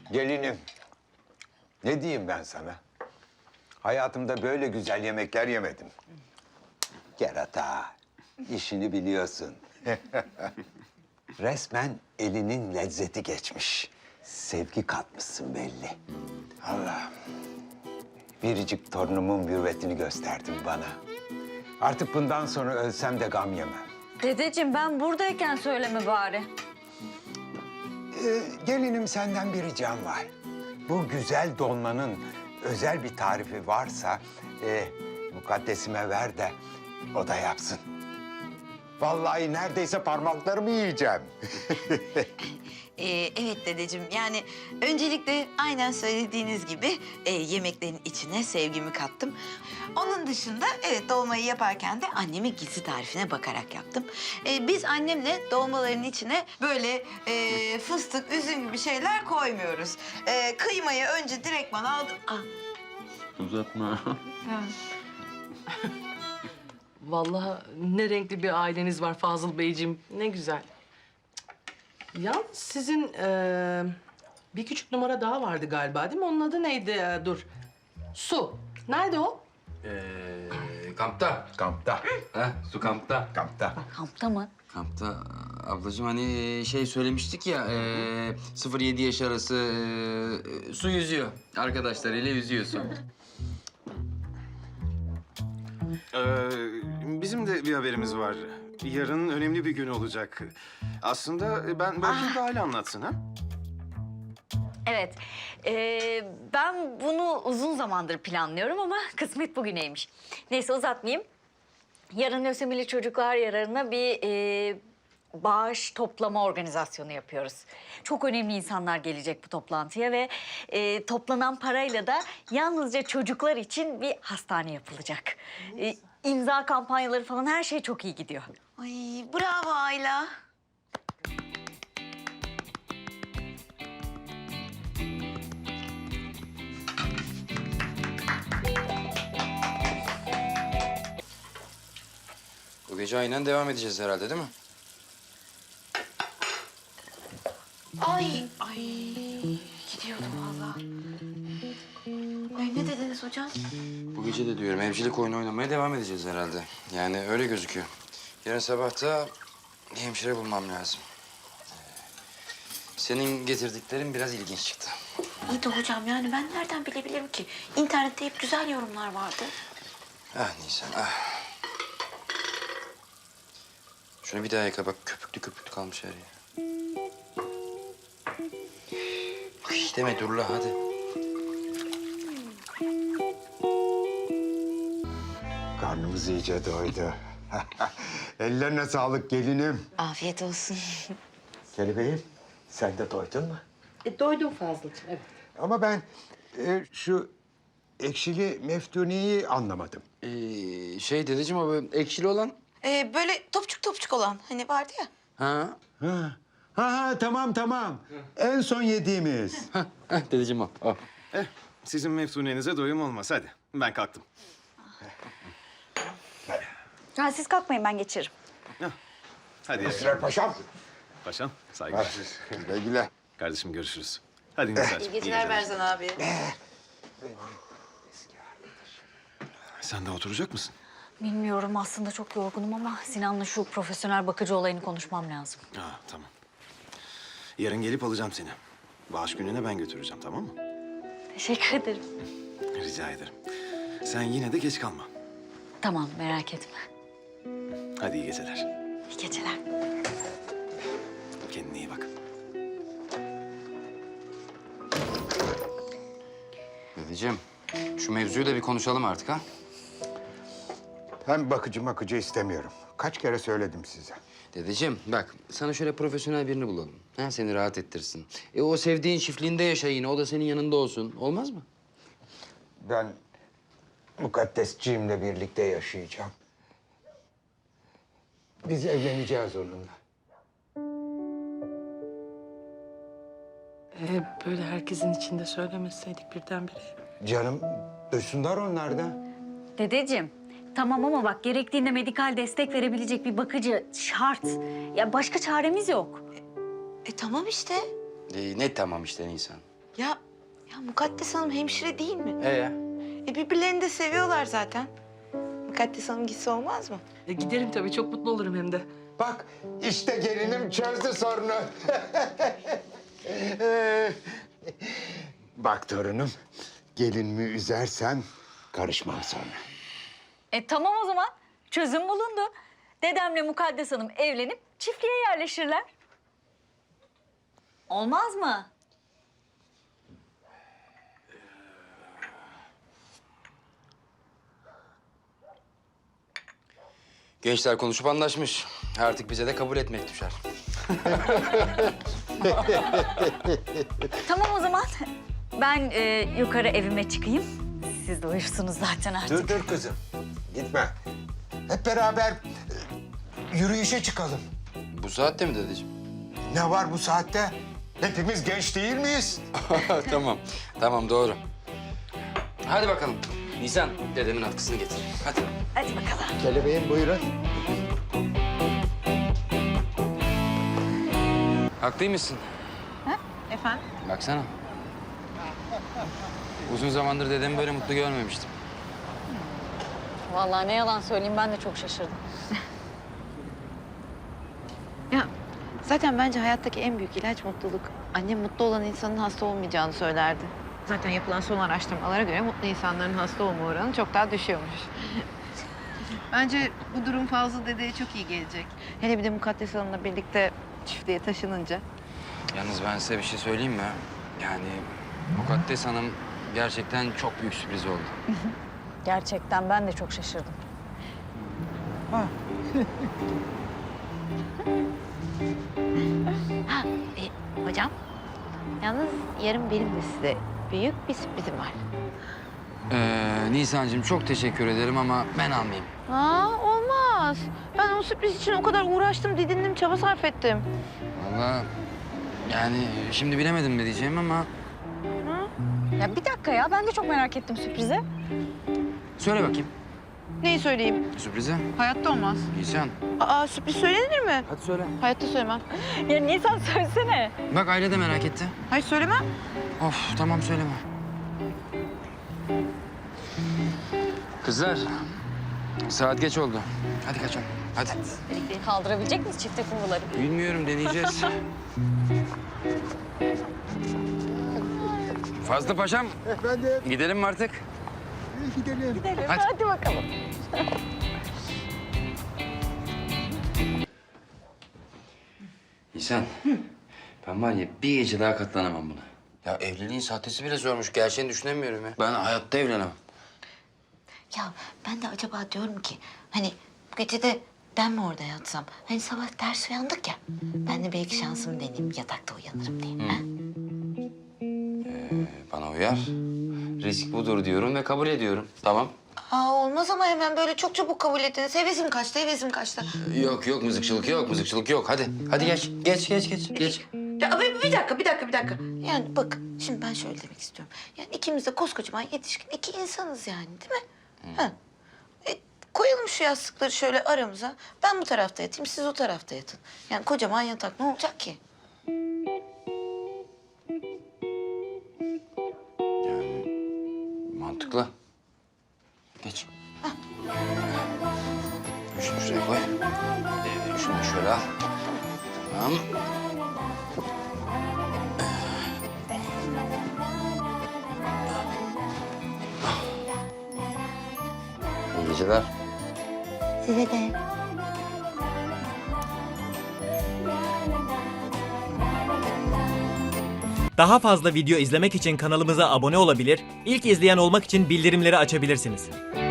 Gelinim, ne diyeyim ben sana? Hayatımda böyle güzel yemekler yemedim. Kerata, işini biliyorsun. Resmen elinin lezzeti geçmiş. Sevgi katmışsın belli. Allah'ım, biricik torunumun mürüvvetini gösterdin bana. Artık bundan sonra ölsem de gam yemem. Dedeciğim ben buradayken söyleme bari. Gelinim senden bir ricam var. Bu güzel dolmanın özel bir tarifi varsa mukaddesime ver de o da yapsın. Vallahi neredeyse parmaklarımı yiyeceğim. Evet dedeciğim, yani öncelikle aynen söylediğiniz gibi yemeklerin içine sevgimi kattım. Onun dışında evet dolmayı yaparken de annemin gizli tarifine bakarak yaptım. Biz annemle dolmaların içine böyle fıstık, üzüm gibi şeyler koymuyoruz. Kıymayı önce direktman aldım. Ah. Uzatma. Vallahi ne renkli bir aileniz var Fazıl Beyciğim. Ne güzel. Yalnız sizin bir küçük numara daha vardı galiba değil mi? Onun adı neydi? Dur. Su. Nerede o? Kampta. Kampta, Su kampta. kampta. Kampta mı? Kampta ablacığım hani şey söylemiştik ya 0-7 yaş arası su yüzüyor. Arkadaşlarıyla yüzüyor su. Bizim de bir haberimiz var. Yarın önemli bir gün olacak. Aslında ben bırakayım da Hale anlatsın ha? Evet. Ben bunu uzun zamandır planlıyorum ama kısmet bugüneymiş. Neyse uzatmayayım. Yarın lösemili çocuklar yararına bir bağış toplama organizasyonu yapıyoruz. Çok önemli insanlar gelecek bu toplantıya ve toplanan parayla da yalnızca çocuklar için bir hastane yapılacak. İmza kampanyaları falan her şey çok iyi gidiyor. Ay bravo Ayla. Bu gece aynen devam edeceğiz herhalde değil mi? Ay gidiyordum vallahi. Ay ne dediniz hocam? Bu gece de diyorum evcilik oyunu oynamaya devam edeceğiz herhalde. Yani öyle gözüküyor. Yarın sabah da bir hemşire bulmam lazım. Senin getirdiklerin biraz ilginç çıktı. İyi de hocam yani ben nereden bilebilirim ki? İnternette hep güzel yorumlar vardı. Ah Nisan ah. Şunu bir daha yıka bak köpüklü köpüklü kalmış her yer. Ay deme dur la hadi. Karnımız iyice doydu. Ellerine sağlık gelinim. Afiyet olsun. Kelebeğim, sen de doydun mu? Doydum Fazıl'cığım, evet. Ama ben şu ekşili meftuniyi anlamadım. Şey dedeciğim o böyle ekşili olan. Böyle topçuk topçuk olan hani vardı ya. Ha? Ha, tamam. En son yediğimiz. Dedeciğim o. Sizin meftunenize doyum olmaz. Hadi ben kalktım. Ha, siz kalkmayın ben geçerim. Hadi ya. Esrar Paşam. Paşam saygılar. Güle güle. Kardeşim görüşürüz. Hadi Nizar. İyi geceler Berzan abi. Sen de oturacak mısın? Bilmiyorum aslında çok yorgunum ama Sinan'la şu profesyonel bakıcı olayını konuşmam lazım. Ha tamam. Yarın gelip alacağım seni. Bağış gününe ben götüreceğim tamam mı? Teşekkür ederim. Rica ederim. Sen yine de geç kalma. Tamam merak etme. Hadi iyi geceler. İyi geceler. Kendine iyi bak. Dedeciğim şu mevzuyu da bir konuşalım artık ha. Ben bakıcı istemiyorum. Kaç kere söyledim size. Dedeciğim bak sana şöyle profesyonel birini bulalım. Ha, seni rahat ettirsin. O sevdiğin çiftliğinde yaşa yine. O da senin yanında olsun. Olmaz mı? Ben mukaddesciğimle birlikte yaşayacağım. Biz evleneceğiz onunla. Böyle herkesin içinde söylemeseydik birdenbire. Canım, duysunlar onlar da. Dedeciğim tamam ama bak gerektiğinde medikal destek verebilecek bir bakıcı şart. Ya başka çaremiz yok. Tamam işte. Ne tamam işte Nisan. Ya Mukaddes Hanım hemşire değil mi? Ya? Birbirlerini de seviyorlar zaten. Mukaddes Hanım gitse olmaz mı? Giderim tabii, çok mutlu olurum hem de. Bak işte gelinim çözdü sorunu. Bak torunum, gelinimi üzersen karışmam sonra. Tamam o zaman. Çözüm bulundu. Dedemle Mukaddes Hanım evlenip çiftliğe yerleşirler. Olmaz mı? Gençler konuşup anlaşmış. Artık bize de kabul etmek düşer. Tamam o zaman. Ben yukarı evime çıkayım. Siz de uyursunuz zaten artık. Dur kızım, gitme. Hep beraber yürüyüşe çıkalım. Bu saatte mi dedeciğim? Ne var bu saatte? Hepimiz genç değil miyiz? Tamam doğru. Hadi bakalım. Nisan, dedemin atkısını getir. Hadi. Hadi bakalım. Kelebeğim buyurun. Haklıymışsın. Efendim? Baksana. Uzun zamandır dedemi böyle mutlu görmemiştim. Vallahi ne yalan söyleyeyim, ben de çok şaşırdım. Ya zaten bence hayattaki en büyük ilaç mutluluk. Annem mutlu olan insanın hasta olmayacağını söylerdi. Zaten yapılan son araştırmalara göre mutlu insanların hasta olma oranı çok daha düşüyormuş. Bence bu durum Fazıl dedeye çok iyi gelecek. Hele bir de Mukaddes Hanım'la birlikte çiftliğe taşınınca. Yalnız ben size bir şey söyleyeyim mi? Yani Mukaddes Hanım gerçekten çok büyük sürpriz oldu. Gerçekten ben de çok şaşırdım. Hocam, yalnız yarın benim de size büyük bir sürprizim var. Nisan'cığım çok teşekkür ederim ama ben almayayım. Olmaz. Ben o sürpriz için o kadar uğraştım, didindim, çaba sarf ettim. Vallahi yani şimdi bilemedim ne diyeceğim ama... Ya bir dakika ya, ben de çok merak ettim sürprizi. Söyle bakayım Neyi söyleyeyim? sürprizi. Hayatta olmaz. Nisan. Sürpriz söylenir mi? Hadi söyle. Hayatta söylemem. Ya Nisan söylesene. Bak aile de merak etti. Hayır söylemem. Of tamam söyleme. Kızlar saat geç oldu. Hadi kaçalım. Hadi. Kaldırabilecek miyiz çifte kumruları? Bilmiyorum deneyeceğiz. Fazlı Paşam. Efendim, Gidelim mi artık? gidelim. Hadi. Hadi bakalım. Nisan. Ben var ya bir gece daha katlanamam buna. Ya evliliğin sahtesi bile zormuş. Gerçeğini düşünemiyorum ya. Ben hayatta evlenemem. Ya ben de acaba diyorum ki hani bu gece de ben mi orada yatsam? Hani sabah ters uyandık ya. Ben de belki şansımı deneyeyim, yatakta uyanırım diye. Ha? Bana uyar. Risk budur diyorum ve kabul ediyorum. Tamam. Olmaz ama hemen böyle çok çabuk kabul ettiniz. Hevesim kaçtı, hevesim kaçtı. Yok mızıkçılık yok, mızıkçılık yok. Hadi geç. Geç. Ya bir dakika. Yani bak, şimdi ben şöyle demek istiyorum. Yani ikimiz de koskocaman yetişkin iki insanız yani, değil mi? Ha. Koyalım şu yastıkları şöyle aramıza. Ben bu tarafta yatayım, siz o tarafta yatın. Yani kocaman yatak ne olacak ki? Mantıklı. Geç. Şunu şuraya koy. Şunu da şöyle al. Tamam. İyi geceler. Size de. Daha fazla video izlemek için kanalımıza abone olabilir, ilk izleyen olmak için bildirimleri açabilirsiniz.